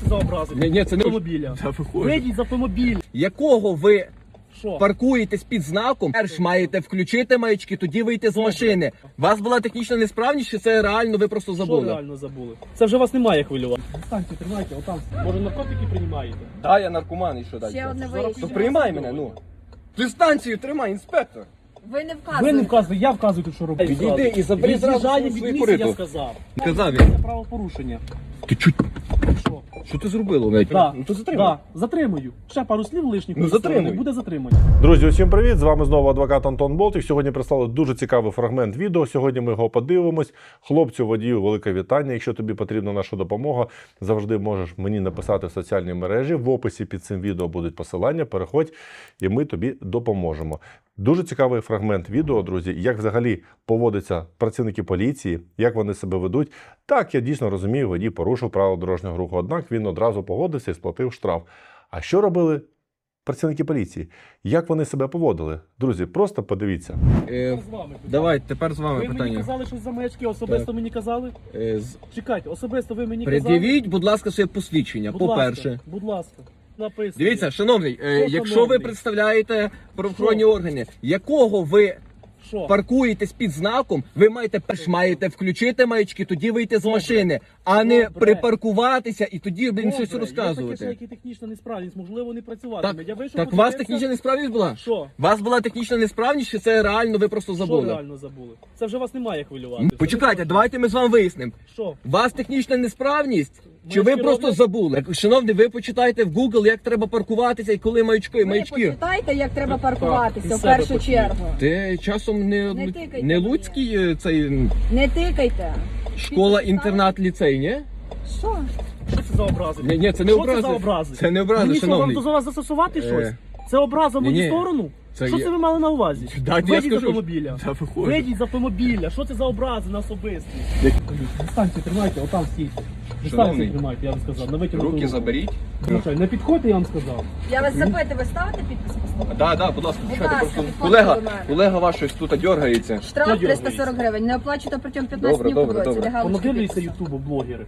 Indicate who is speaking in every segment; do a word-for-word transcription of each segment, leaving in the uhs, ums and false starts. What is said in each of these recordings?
Speaker 1: це за образи?
Speaker 2: Ні, ні, це не
Speaker 1: автомобіля.
Speaker 2: Та виходь.
Speaker 1: Вийдіть з автомобіля.
Speaker 2: Якого ви
Speaker 1: Що?
Speaker 2: паркуєтесь під знаком, перш маєте включити маячки, тоді вийти з
Speaker 1: Добре.
Speaker 2: машини. У вас була технічна несправність, чи це реально ви просто
Speaker 1: Що
Speaker 2: забули?
Speaker 1: реально забули? Це вже вас немає хвилювати. Дистанцію тримайте, отам. Може наркотики приймаєте?
Speaker 2: Да, я наркоман і що далі?
Speaker 3: Ще одне
Speaker 1: Зараз
Speaker 3: виїзд.
Speaker 2: То приймай мене, ну. Дистанцію тримай, інспектор.
Speaker 3: Ви не вказуєте.
Speaker 1: Ви не вказуєте, я вказую тут, що робити.
Speaker 2: Підійди і забери зразу
Speaker 1: Від'їжджає
Speaker 2: свої
Speaker 1: від місця, я
Speaker 2: корито.
Speaker 1: сказав.
Speaker 2: Казав
Speaker 1: Це
Speaker 2: він.
Speaker 1: правопорушення.
Speaker 2: Ти чуть.
Speaker 1: Що?
Speaker 2: Що ти зробило навіть?
Speaker 1: Да.
Speaker 2: Ну то затримай.
Speaker 1: Да, затримую. Ще пару слів лишніх.
Speaker 2: Ну, затримуй.
Speaker 1: Буде затримання.
Speaker 4: Друзі, усім привіт! З вами знову адвокат Антон Болтик. Сьогодні прислали дуже цікавий фрагмент відео. Сьогодні ми його подивимось. Хлопцю, водію, велике вітання. Якщо тобі потрібна наша допомога, завжди можеш мені написати в соціальній мережі. В описі під цим відео будуть посилання. Переходь, і ми тобі допоможемо. Дуже цікавий фрагмент відео, друзі, як взагалі поводяться працівники поліції, як вони себе ведуть. Так, я дійсно розумію, водій порушив правила дорожнього руху, однак він одразу погодився і сплатив штраф. А що робили працівники поліції? Як вони себе поводили? Друзі, просто подивіться.
Speaker 2: Е,
Speaker 1: З вами питання.
Speaker 2: давай, тепер з вами
Speaker 1: Ви мені
Speaker 2: питання.
Speaker 1: казали щось за маячки, особисто
Speaker 2: Так.
Speaker 1: мені казали?
Speaker 2: Е, з-
Speaker 1: Чекайте, особисто ви мені казали?
Speaker 2: Пред'явіть, будь ласка, своє посвідчення,
Speaker 1: Будь
Speaker 2: по-перше.
Speaker 1: ласка, будь ласка, написано.
Speaker 2: Дивіться, шановний, е,
Speaker 1: Що,
Speaker 2: якщо
Speaker 1: шановний?
Speaker 2: ви представляєте правоохоронні органи, якого ви
Speaker 1: Що?
Speaker 2: паркуєтесь під знаком, ви маєте перш маєте включити маячки, тоді вийти з
Speaker 1: Добре.
Speaker 2: машини, а не
Speaker 1: Добре.
Speaker 2: припаркуватися і тоді блін, щось
Speaker 1: Добре, Є таке, що
Speaker 2: розказувати.
Speaker 1: як і технічна несправність, можливо, не працюватиме.
Speaker 2: Так,
Speaker 1: Я вийшов,
Speaker 2: так у вас
Speaker 1: подивився.
Speaker 2: технічна несправність була?
Speaker 1: Що?
Speaker 2: У вас була технічна несправність, чи це реально ви просто
Speaker 1: Що
Speaker 2: забули?
Speaker 1: реально забули? Це вже вас немає хвилювати.
Speaker 2: М, Почекайте, давайте ми з вами вияснимо.
Speaker 1: Що?
Speaker 2: У вас технічна несправність? Чи ви
Speaker 1: Маячки
Speaker 2: просто
Speaker 1: роблять?
Speaker 2: забули? Шановний, ви почитайте в Google, як треба паркуватися і коли маячки,
Speaker 3: Ви
Speaker 2: маячки.
Speaker 3: почитайте, як треба
Speaker 1: Так,
Speaker 3: паркуватися
Speaker 1: із
Speaker 3: в
Speaker 1: себе
Speaker 3: першу
Speaker 1: почніть.
Speaker 3: чергу.
Speaker 2: Ти часом не,
Speaker 3: Не тикайте
Speaker 2: не
Speaker 3: мені.
Speaker 2: Луцький е, цей м,
Speaker 3: Не тикайте.
Speaker 2: школа-інтернат ліцей, ні?
Speaker 3: Що?
Speaker 1: Що це за образи?
Speaker 2: Ні, ні, це не
Speaker 1: Що
Speaker 2: образи.
Speaker 1: це за образи?
Speaker 2: Це не образи,
Speaker 1: Мені що,
Speaker 2: шановний.
Speaker 1: вам до вас застосувати
Speaker 2: Е,
Speaker 1: щось? Це образа в мою
Speaker 2: ні-ні.
Speaker 1: сторону?
Speaker 2: Це
Speaker 1: Що
Speaker 2: є-
Speaker 1: це ви мали на увазі?
Speaker 2: Да, я
Speaker 1: Вийдіть з
Speaker 2: скажу,
Speaker 1: автомобіля.
Speaker 2: Та виходь.
Speaker 1: Вийдіть з автомобіля. Що це за образи на особисті? Дистанцію тримайте, отам стійте.
Speaker 2: Шановний.
Speaker 1: Дистанцію тримайте, я вам сказав. На витягнуту
Speaker 2: Руки
Speaker 1: руку.
Speaker 2: заберіть.
Speaker 1: Звичайно, не підходьте, я вам сказав.
Speaker 3: Я вас запитую, ви ставите підпис послухати?
Speaker 2: Да, да, будь ласка,
Speaker 3: Будь
Speaker 2: почекайте,
Speaker 3: ласка,
Speaker 2: просто
Speaker 3: підходьте
Speaker 2: колега,
Speaker 3: до мене.
Speaker 2: колега ваш щось тут дергається.
Speaker 3: Штраф
Speaker 1: Хто
Speaker 3: триста
Speaker 1: дергається?
Speaker 3: сорок гривень. Не оплачуєте протягом п'ятнадцять
Speaker 2: Добре,
Speaker 3: днів
Speaker 2: добре,
Speaker 3: по двоці.
Speaker 2: добре.
Speaker 1: Понадивляться ютубу блогери.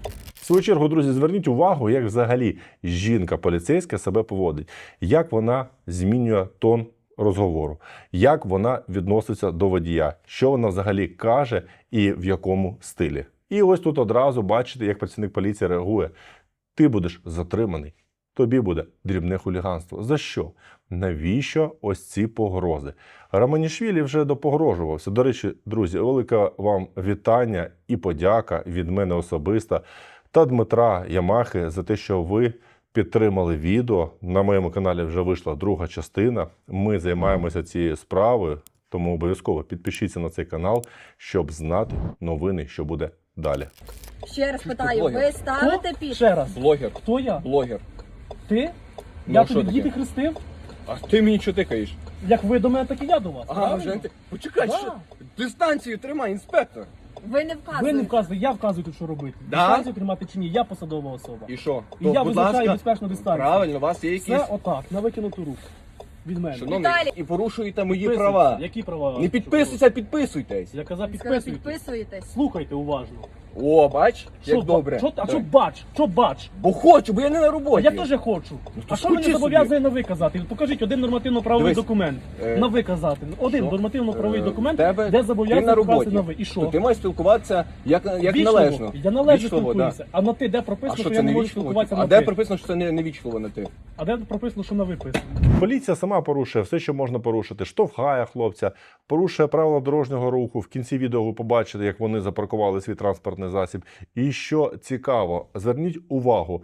Speaker 4: В свою чергу, друзі, зверніть увагу, як взагалі жінка поліцейська себе поводить, як вона змінює тон розговору, як вона відноситься до водія, що вона взагалі каже і в якому стилі. І ось тут одразу бачите, як працівник поліції реагує. Ти будеш затриманий, тобі буде дрібне хуліганство. За що? Навіщо ось ці погрози? Романішвілі вже допогрожувався. До речі, друзі, велике вам вітання і подяка від мене особисто та Дмитра Ямахи за те, що ви підтримали відео. На моєму каналі вже вийшла друга частина. Ми займаємося цією справою, тому обов'язково підпишіться на цей канал, щоб знати новини, що буде далі.
Speaker 3: Ще раз питаю,
Speaker 2: блогер.
Speaker 3: ви ставите
Speaker 1: Хто?
Speaker 3: підпис?
Speaker 1: Ще раз.
Speaker 2: Блогер,
Speaker 1: Хто я?
Speaker 2: блогер.
Speaker 1: Ти?
Speaker 2: Ну,
Speaker 1: Я
Speaker 2: а що
Speaker 1: тобі
Speaker 2: таке?
Speaker 1: діти хрестив?
Speaker 2: А ти мені що тикаєш?
Speaker 1: Як ви до мене, так і я до вас.
Speaker 2: А,
Speaker 1: правильно?
Speaker 2: вже ти... Почекай,
Speaker 1: Да.
Speaker 2: що? Дистанцію тримай, інспектор.
Speaker 3: Ви не
Speaker 1: Ви
Speaker 3: вказуєте.
Speaker 1: не вказуєте, я вказую тут, що робити.
Speaker 2: Да?
Speaker 1: Дистанцію тримати чи ні, я посадова особа.
Speaker 2: І що?
Speaker 1: І
Speaker 2: То,
Speaker 1: я
Speaker 2: будь
Speaker 1: визначаю
Speaker 2: ласка,
Speaker 1: безпечну дистанцію.
Speaker 2: правильно, у вас є якісь...
Speaker 1: Все отак, на викинуту руку. Від мене.
Speaker 2: Шановний,
Speaker 3: Віталій.
Speaker 2: і порушуєте мої
Speaker 1: Підписуйтесь.
Speaker 2: права.
Speaker 1: Які права?
Speaker 2: Не підписуйся, підписуйтесь.
Speaker 1: Я казав,
Speaker 3: Ви сказали,
Speaker 1: підписуйтесь.
Speaker 3: підписуєтесь.
Speaker 1: Слухайте уважно.
Speaker 2: О, бач, як
Speaker 1: ба-
Speaker 2: добре.
Speaker 1: Що, а
Speaker 2: Так.
Speaker 1: що бач? Що бач?
Speaker 2: Бо хочу, бо я не на
Speaker 1: А
Speaker 2: роботі.
Speaker 1: я теж хочу.
Speaker 2: то
Speaker 1: А що мене
Speaker 2: скучи
Speaker 1: зобов'язує на ви казати? Покажіть один нормативно-правовий
Speaker 2: Дивись,
Speaker 1: документ.
Speaker 2: е,
Speaker 1: На ви казати. Один
Speaker 2: що?
Speaker 1: нормативно-правовий
Speaker 2: Е,
Speaker 1: документ,
Speaker 2: тебе-
Speaker 1: де
Speaker 2: Ти на
Speaker 1: зобов'язує
Speaker 2: роботі.
Speaker 1: вказати на ви. І
Speaker 2: То
Speaker 1: що?
Speaker 2: ти маєш спілкуватися як, як
Speaker 1: Вічливо.
Speaker 2: належно.
Speaker 1: Я належно
Speaker 2: Вічливо,
Speaker 1: спілкуюся. А на ти де
Speaker 2: А
Speaker 1: прописано,
Speaker 2: що
Speaker 1: що
Speaker 2: це
Speaker 1: я не
Speaker 2: не
Speaker 1: можу
Speaker 2: вічливо?
Speaker 1: спілкуватися
Speaker 2: А
Speaker 1: на
Speaker 2: де
Speaker 1: ти?
Speaker 2: прописано, що це не, не вічливо на ти?
Speaker 1: А де прописано, що на виписано?
Speaker 4: Поліція сама порушує все, що можна порушити. Штовхає хлопця, порушує правила дорожнього руху. В кінці відео ви побачите, як вони запаркували свій транспортний засіб. І що цікаво, зверніть увагу,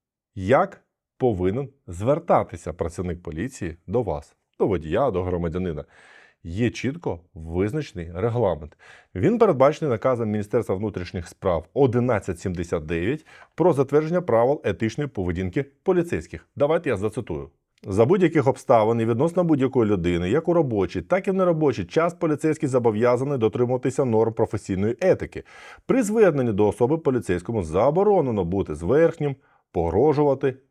Speaker 4: як повинен звертатися працівник поліції до вас, до водія, до громадянина. Є чітко визначений регламент. Він передбачений наказом Міністерства внутрішніх справ одинадцять сімдесят дев'ять про затвердження правил етичної поведінки поліцейських. Давайте я зацитую. За будь-яких обставин і відносно будь-якої людини, як у робочий, так і в неробочий час поліцейський зобов'язаний дотримуватися норм професійної етики. При зверненні до особи поліцейському заборонено бути зверхнім, погрожувати,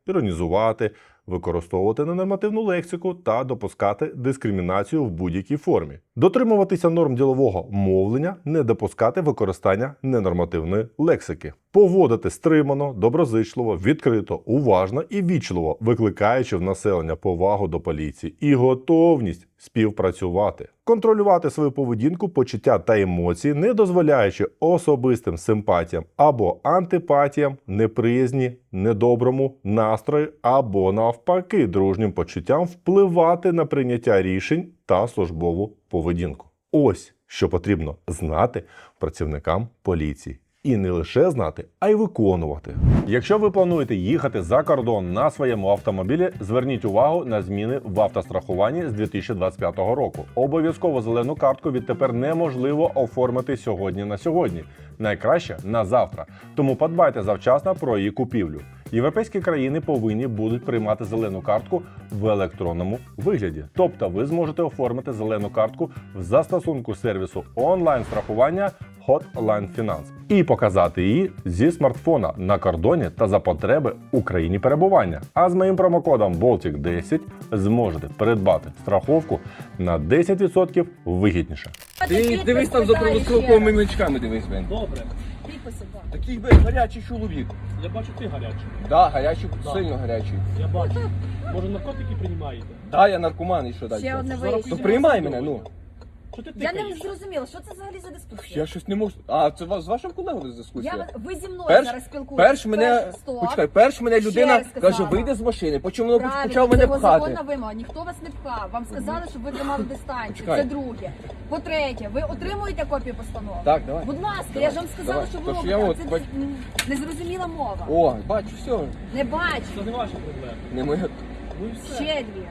Speaker 4: іронізувати, використовувати ненормативну лексику та допускати дискримінацію в будь-якій формі. Дотримуватися норм ділового мовлення, не допускати використання ненормативної лексики. Поводити стримано, доброзичливо, відкрито, уважно і вічливо, викликаючи в населення повагу до поліції і готовність співпрацювати. Контролювати свою поведінку, почуття та емоції, не дозволяючи особистим симпатіям або антипатіям, неприязні, недоброму настрою або навпаки дружнім почуттям впливати на прийняття рішень та службову поведінку. Ось що потрібно знати працівникам поліції. І не лише знати, а й виконувати. Якщо ви плануєте їхати за кордон на своєму автомобілі, зверніть увагу на зміни в автострахуванні з дві тисячі двадцять п'ятого року. Обов'язково зелену картку відтепер неможливо оформити сьогодні на сьогодні. Найкраще на завтра. Тому подбайте завчасно про її купівлю. Європейські країни повинні будуть приймати зелену картку в електронному вигляді. Тобто ви зможете оформити зелену картку в застосунку сервісу онлайн-страхування Hotline Finance і показати її зі смартфона на кордоні та за потреби у країні перебування. А з моїм промокодом Болтік десять зможете придбати страховку на десять відсотків вигідніше.
Speaker 2: Ти дивись там за правословковими маячками, дивись, блин.
Speaker 1: Добре.
Speaker 3: Підписи, так.
Speaker 2: Такий, блин, гарячий чоловік.
Speaker 1: Я бачу, ти гарячий.
Speaker 2: Да, гарячий,
Speaker 1: Да.
Speaker 2: сильно гарячий.
Speaker 1: Я бачу. Може, наркотики приймаєте?
Speaker 2: Да, я наркоман і що далі?
Speaker 3: Ще одне
Speaker 1: Зараз
Speaker 3: виїзд.
Speaker 2: То приймай мене, ну.
Speaker 1: Що ти
Speaker 3: Я не
Speaker 1: тикаєш?
Speaker 3: зрозуміла, що це взагалі за дискусія?
Speaker 2: Я щось не можу. А, це вас з вашим колегою дискусія?
Speaker 3: Я, ви зі мною
Speaker 2: Перш-
Speaker 3: зараз спілкуєтесь.
Speaker 2: Перш мене,
Speaker 3: Перше, стоп.
Speaker 2: почекай, перш мене
Speaker 3: Ще
Speaker 2: людина
Speaker 3: раз сказала.
Speaker 2: каже, вийди з машини, потім воно
Speaker 3: Правильно,
Speaker 2: почав
Speaker 3: це
Speaker 2: мене
Speaker 3: його
Speaker 2: пхати.
Speaker 3: законна вимога. Ніхто вас не пхав. Вам сказали, щоб ви тримали дистанцію.
Speaker 2: Чекай.
Speaker 3: Це друге. По-третє, ви отримуєте копію постанови?
Speaker 2: Так, давай.
Speaker 3: Будь ласка,
Speaker 2: Давай,
Speaker 3: я ж вам сказала,
Speaker 2: давай.
Speaker 3: що ви
Speaker 2: Тож
Speaker 3: робите.
Speaker 2: я
Speaker 3: а
Speaker 2: от
Speaker 3: Це
Speaker 2: бач-
Speaker 3: м, незрозуміла мова.
Speaker 2: О, бачу, все.
Speaker 3: Не бачу.
Speaker 1: Це не ваша проблема.
Speaker 2: Не моя.
Speaker 1: Ну і все.
Speaker 3: Ще дві.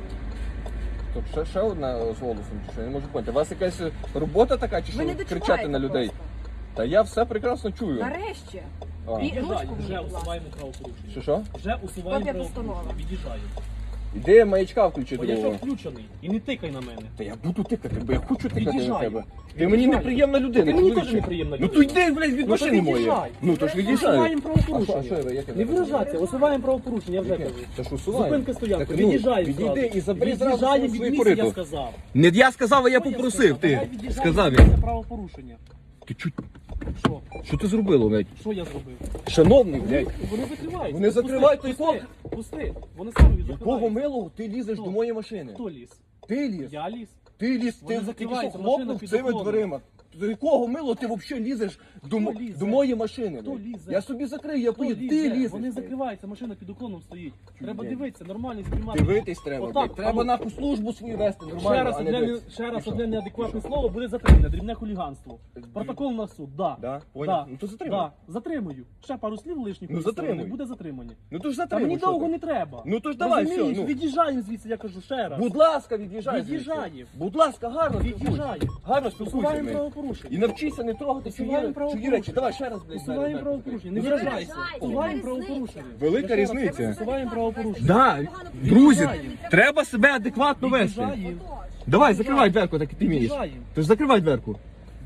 Speaker 2: Тобто ще, ще одна з голосом, чи що? Я не можу поняти. У вас якась робота така, чи
Speaker 3: Ви не
Speaker 2: що
Speaker 3: дочуваєте
Speaker 2: кричати на людей?
Speaker 3: просто.
Speaker 2: Та я все прекрасно чую.
Speaker 3: Нарешті.
Speaker 2: А.
Speaker 3: І-
Speaker 1: Від'їжджай,
Speaker 3: ручку
Speaker 1: вже
Speaker 3: мені, будь ласка.
Speaker 1: усуваємо правопорушення.
Speaker 2: Що що?
Speaker 1: Вже усуваємо
Speaker 3: Копія
Speaker 1: правопорушення.
Speaker 3: постанови.
Speaker 1: Від'їжджаю.
Speaker 2: Іди маячка включи
Speaker 1: Бо я що
Speaker 2: другого.
Speaker 1: включений. І не тикай на мене.
Speaker 2: Та я буду тикати, бо я хочу тикати на
Speaker 1: Від'їжджай.
Speaker 2: тебе. Ти
Speaker 1: Від'їжджай.
Speaker 2: мені неприємна людина.
Speaker 1: Ти мені
Speaker 2: чоловіче.
Speaker 1: теж неприємна
Speaker 2: Ну
Speaker 1: людина.
Speaker 2: то йди, блядь, від
Speaker 1: Ну, то
Speaker 2: машини моєї.
Speaker 1: від'їжджай.
Speaker 2: Ну то ж від'їжджай.
Speaker 1: Усуваємо
Speaker 2: А що,
Speaker 1: правопорушення.
Speaker 2: а що, як я
Speaker 1: Не
Speaker 2: так
Speaker 1: виражайся, усуваємо правопорушення, я вже
Speaker 2: Яке?
Speaker 1: кажу.
Speaker 2: Та ж усувай.
Speaker 1: Зупинка стоянка,
Speaker 2: Так, ну,
Speaker 1: від'їжджай
Speaker 2: відійди
Speaker 1: зразу.
Speaker 2: і забери зразу
Speaker 1: Від'їжджай
Speaker 2: свої
Speaker 1: від
Speaker 2: свої
Speaker 1: місця, я
Speaker 2: корито.
Speaker 1: сказав.
Speaker 2: Не я сказав, а я
Speaker 1: Що
Speaker 2: попросив. Ти
Speaker 1: Давай від'їжджай
Speaker 2: сказав
Speaker 1: від
Speaker 2: я.
Speaker 1: місця правопорушення.
Speaker 2: Ти чуть.
Speaker 1: Що?
Speaker 2: Що ти зробило, блядь?
Speaker 1: Що я зробив?
Speaker 2: Шановний, блядь.
Speaker 1: Вони закривають.
Speaker 2: Вони закривають той
Speaker 1: Пусти,
Speaker 2: код.
Speaker 1: Пусти. Вони самі закривають.
Speaker 2: Якого милого ти лізеш
Speaker 1: Хто?
Speaker 2: до моєї машини?
Speaker 1: Хто ліз?
Speaker 2: Ти ліз.
Speaker 1: Я ліз.
Speaker 2: Ти ліз,
Speaker 1: Вони
Speaker 2: ти тільки що
Speaker 1: закриваються, машина
Speaker 2: хлопнув
Speaker 1: під
Speaker 2: цими
Speaker 1: уклоном.
Speaker 2: дверима. До якого мило ти взагалі лізеш до, мо-
Speaker 1: лізе?
Speaker 2: до моєї машини?
Speaker 1: Хто
Speaker 2: блядь?
Speaker 1: лізе?
Speaker 2: Я собі закрию, я
Speaker 1: Хто
Speaker 2: поїду.
Speaker 1: лізе?
Speaker 2: Ти лізеш.
Speaker 1: Вони
Speaker 2: блядь.
Speaker 1: закриваються, машина під уклоном стоїть. Треба
Speaker 2: блядь.
Speaker 1: дивитися, нормально знімати.
Speaker 2: Дивитись треба,
Speaker 1: Отак,
Speaker 2: блядь. Треба
Speaker 1: а ну,
Speaker 2: нахуй службу свою вести нормально,
Speaker 1: Ще раз
Speaker 2: а не
Speaker 1: одне, не-
Speaker 2: дивитись.
Speaker 1: ще раз
Speaker 2: І що?
Speaker 1: одне неадекватне слово буде затримане, дрібне хуліганство. Протокол на суд, да.
Speaker 2: Да? Поняв?
Speaker 1: Да.
Speaker 2: Ну то затримай.
Speaker 1: Да. Затримую. Ще пару слів лишніх
Speaker 2: Ну,
Speaker 1: у сторони,
Speaker 2: затримуй.
Speaker 1: буде затримання.
Speaker 2: Ну то ж
Speaker 1: Та
Speaker 2: затримуй.
Speaker 1: мені
Speaker 2: що
Speaker 1: довго
Speaker 2: ти?
Speaker 1: не треба.
Speaker 2: Ну то ж давай,
Speaker 1: Розумієш?
Speaker 2: все, ну.
Speaker 1: Від'їжджаємо звідси, я кажу ще раз.
Speaker 2: Будь ласка, від'їжджай. звідси.
Speaker 1: Від'їжджаємо.
Speaker 2: Будь ласка, гарно спілкуйся.
Speaker 1: Від'їжджаємо.
Speaker 2: Гарно спілкуйся.
Speaker 1: Усуваємо
Speaker 2: блядь.
Speaker 1: правопорушення.
Speaker 2: І навчися не трогати чужі,
Speaker 1: Усуваємо
Speaker 2: чужі
Speaker 1: правопорушення.
Speaker 2: речі. Давай ще раз, блядь.
Speaker 1: Усуваємо
Speaker 2: зараз,
Speaker 1: правопорушення.
Speaker 2: так.
Speaker 1: Не
Speaker 2: Ну,
Speaker 1: виражайся.
Speaker 3: виражайся,
Speaker 1: Усуваємо
Speaker 3: яка
Speaker 1: правопорушення.
Speaker 2: Велика
Speaker 1: Я ще раз
Speaker 2: різниця.
Speaker 1: кажу, усуваємо правопорушення.
Speaker 2: Да, друзі, треба себе адекватно вести.
Speaker 1: Від'їжджаємо.
Speaker 2: Давай, закривай дверку, так і ти вмієш.
Speaker 1: Від'їжджаємо.
Speaker 2: Ти ж закривай дверку.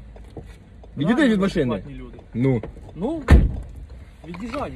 Speaker 2: Відійди
Speaker 1: Правильно,
Speaker 2: від машини.
Speaker 1: адекватні люди.
Speaker 2: Ну.
Speaker 1: Ну, від'їжджаємо.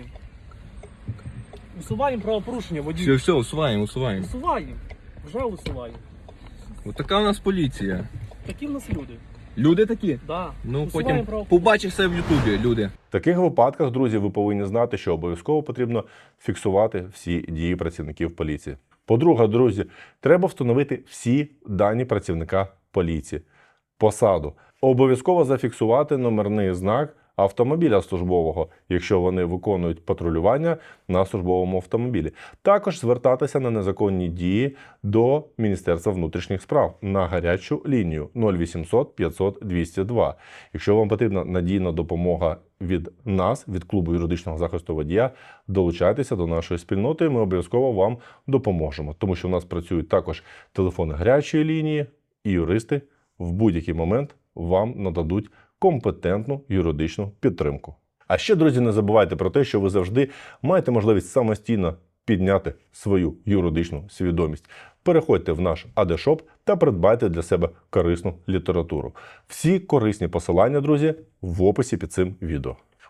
Speaker 1: Усуваємо правопорушення, водій.
Speaker 2: Все, все, усуваємо, усуваємо.
Speaker 1: Усуваємо. Вже усуваємо.
Speaker 2: Ось така у нас поліція.
Speaker 1: Такі в нас люди.
Speaker 2: Люди такі.
Speaker 1: Да.
Speaker 2: Ну,
Speaker 1: Усуваємо
Speaker 2: потім
Speaker 1: правопорушення.
Speaker 2: побачиш все в Ютубі, люди.
Speaker 4: В таких випадках, друзі, ви повинні знати, що обов'язково потрібно фіксувати всі дії працівників поліції. По-друге, друзі, треба встановити всі дані працівника поліції, посаду. Обов'язково зафіксувати номерний знак автомобіля службового, якщо вони виконують патрулювання на службовому автомобілі. Також звертатися на незаконні дії до Міністерства внутрішніх справ на гарячу лінію нуль вісімсот п'ятсот двісті два. Якщо вам потрібна надійна допомога від нас, від клубу юридичного захисту водія, долучайтеся до нашої спільноти, і ми обов'язково вам допоможемо. Тому що в нас працюють також телефони гарячої лінії, і юристи в будь-який момент вам нададуть компетентну юридичну підтримку. А ще, друзі, не забувайте про те, що ви завжди маєте можливість самостійно підняти свою юридичну свідомість. Переходьте в наш АД-шоп та придбайте для себе корисну літературу. Всі корисні посилання, друзі, в описі під цим відео.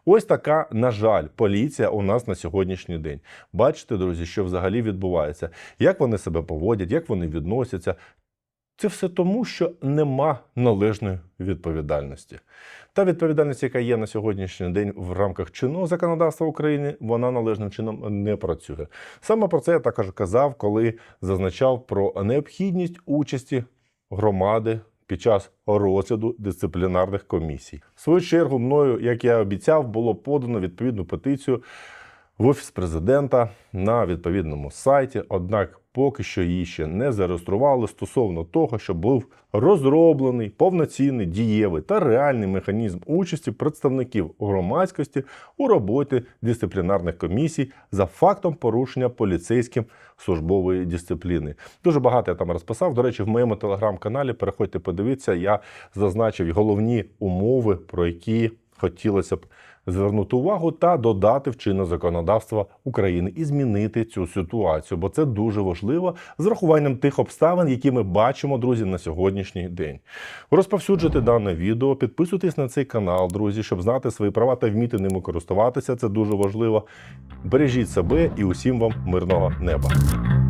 Speaker 4: Ось така, на жаль, поліція у нас на сьогоднішній день. Бачите, друзі, що взагалі відбувається, як вони себе поводять, як вони відносяться. Це все тому, що нема належної відповідальності. Та відповідальність, яка є на сьогоднішній день в рамках чинного законодавства України, вона належним чином не працює. Саме про це я також казав, коли зазначав про необхідність участі громади під час розгляду дисциплінарних комісій. В свою чергу мною, як я обіцяв, було подано відповідну петицію в Офіс Президента на відповідному сайті, однак поки що її ще не зареєстрували стосовно того, щоб був розроблений повноцінний, дієвий та реальний механізм участі представників громадськості у роботі дисциплінарних комісій за фактом порушення поліцейським службової дисципліни. Дуже багато я там розписав. До речі, в моєму телеграм-каналі, переходьте, подивіться, я зазначив головні умови, про які хотілося б звернути увагу та додати в чинне законодавство України і змінити цю ситуацію, бо це дуже важливо з врахуванням тих обставин, які ми бачимо, друзі, на сьогоднішній день. Розповсюджуйте дане відео, підписуйтесь на цей канал, друзі, щоб знати свої права та вміти ними користуватися, це дуже важливо. Бережіть себе і усім вам мирного неба.